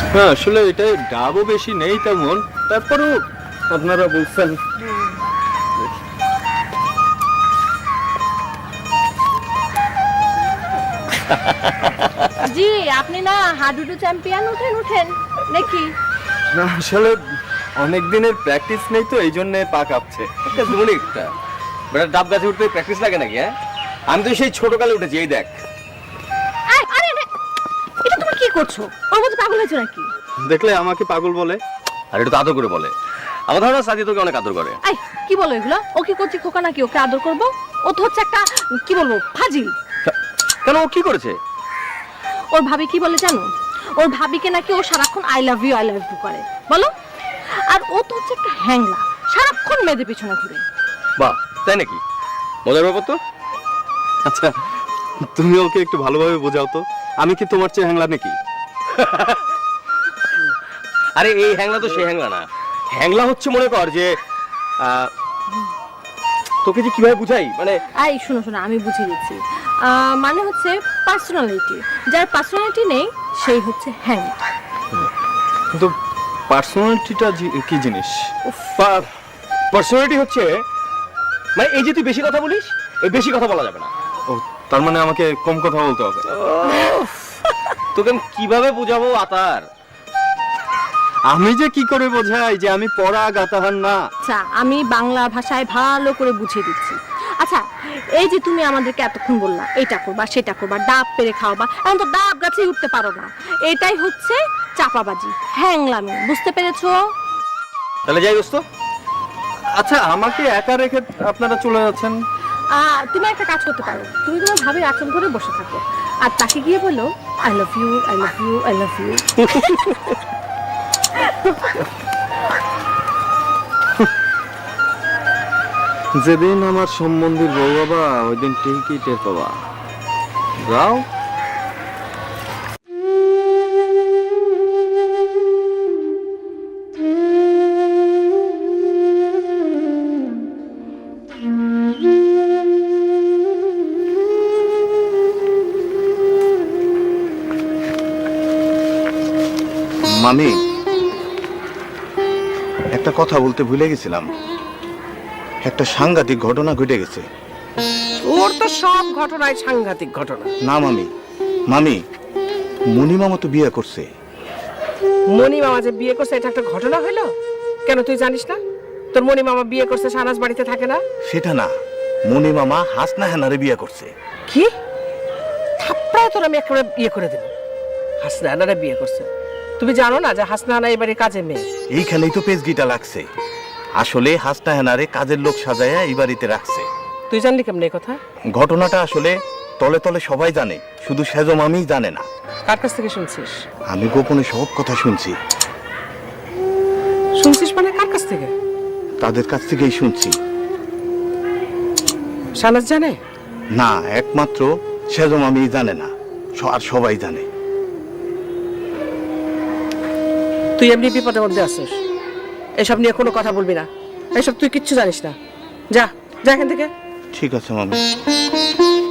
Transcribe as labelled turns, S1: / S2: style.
S1: হ্যাঁ আসলে এটা ডাবও বেশি নেই তেমন, তারপরেও আপনারা বলছেন।
S2: জি, আপনি না হাডুডু চ্যাম্পিয়ন, উঠেন উঠেন নাকি?
S1: না আসলে অনেক দিনের প্র্যাকটিস নেই তো এই জন্য পা কাঁপছে।
S3: একটা দুমনি একটা বেটা ডাব গাছে উঠতে প্র্যাকটিস লাগে নাকি? হ্যাঁ, আমি তো সেই ছোটকালে উঠেছি। এই দেখ।
S2: আরে এটা তুমি কি করছো? ওর মধ্যে পাগল হয়েছো নাকি?
S1: দেখলে আমাকে পাগল বলে।
S3: আর এটা তো আদর করে বলে। আমার ধারণা সাথী তোকে অনেক আদর করে।
S2: আই কি বলো এগুলো? ও কি করছে খোকা নাকি ওকে আদর করবো? ও তো হচ্ছে একটা কি বলবো ফাজিল।
S3: কেন, ও কি করেছে?
S2: ওর ভাবি কি বলে জানো? ওর ভাবিকে নাকি ও সারাক্ষণ আই লাভ ইউ করে বলো। আর ও তো হচ্ছে একটা হ্যাংলা, সারাক্ষণ মেয়েদের পিছনে ঘুরে।
S3: বাহ, তাই নাকি? মজার ব্যাপার তো।
S1: আচ্ছা তুমি ওকে একটু ভালোভাবে বোঝাও তো, আমি কি তোমার চেয়ে হ্যাংলা নাকি?
S3: আরে এই হ্যাংলা তো সেই হ্যাংলা না। হ্যাংলা হচ্ছে মনে কর যে তোকে যে কিভাবে বুঝাই, মানে
S2: আই শোনো শোনো, আমি বুঝিয়ে দিচ্ছি। মানে হচ্ছে পার্সোনালিটি, যার পার্সোনালিটি নেই সেই হচ্ছে হ্যাংলা।
S1: কিন্তু পার্সোনালিটিটা কি জিনিস?
S3: পার্সোনালিটি হচ্ছে মানে এই যে তুই বেশি কথা বলিস, এই বেশি কথা বলা যাবে না।
S1: ও তার মানে আমাকে কম কথা বলতে হবে?
S3: তোকে আমি কিভাবে বোঝাবো আতার?
S1: আমি যে কি করে বোঝাই যে আমি পড়া গাতাহার না?
S2: আচ্ছা আমি বাংলা ভাষায় ভালো করে বুঝিয়ে দিচ্ছি। আচ্ছা এই যে তুমি আমাদেরকে এতক্ষণ বললা এটা করবা সেটা করবা, ডাব পেরে খাওয়াবা, এখন তো ডাব গাছে উঠতে পারো না, এটাই হচ্ছে চাপাবাজি, হ্যাংলামি। বুঝতে পেরেছো?
S3: তাহলে যাই দোস্ত।
S1: আচ্ছা আমাকে একা রেখে আপনারা চলে যাচ্ছেন?
S2: তুমি একটা কাজ করতে পারো, তুমি তোমার ভাবির আচরণ ধরে বসে থাকো আর তাকে গিয়ে বলো I love you, I love you, I love you.
S1: যেদিন আমার সম্বন্ধীর বউ বাবা ওই দিন ঠিকই টের পাবা। যাও।
S4: মামি, একটা কথা বলতে ভুলে গেছিলাম। একটা সাংঘাতিক ঘটনা ঘটে গেছে।
S5: ওর তো সব ঘটনায় সাংঘাতিক ঘটনা।
S4: না মামি, মামি মনি মামা তো বিয়ে করছে।
S5: মনি মামা যে বিয়ে করছে এটা একটা ঘটনা হইলো? কেন তুই জানিস না তোর মনি মামা বিয়ে করছে, শাহনাজ বাড়িতে থাকে না?
S4: সেটা না, মনি মামা হাসনা হেনারে বিয়ে করছে।
S5: কি থাপ্পড়ায় তোর আমি একেবারে বিয়ে করে দেব। হাসনা হানারে বিয়ে করছে? তুমি জানো না যে হাসনা হানা এবারে কাজে মেয়ে?
S4: এইখানেই তো পেজগিটা লাগছে। আসলে হাসনা হেনারে কাজের লোক সাজায়া এই বাড়িতে রাখছে।
S5: তুই জানলি কেমন এই কথা?
S4: ঘটনাটা আসলে তলে তলে সবাই জানে, শুধু সেজো মামিই জানে না।
S5: কার কাছ থেকে শুনছিস?
S4: আমি গোপনে সব কথা শুনছি।
S5: শুনছিস মানে কার কাছ থেকে?
S4: তাদের কাছ থেকেই শুনছি।
S5: শাহনাজ জানে
S4: না, একমাত্র সেজো মামিই জানে না, আর সবাই জানে।
S5: তুই এমনি বিপদের মধ্যে আছিস, এসব নিয়ে কোনো কথা বলবি না। এসব তুই কিচ্ছু জানিস না। যা যা এখান থেকে।
S4: ঠিক আছে মামি।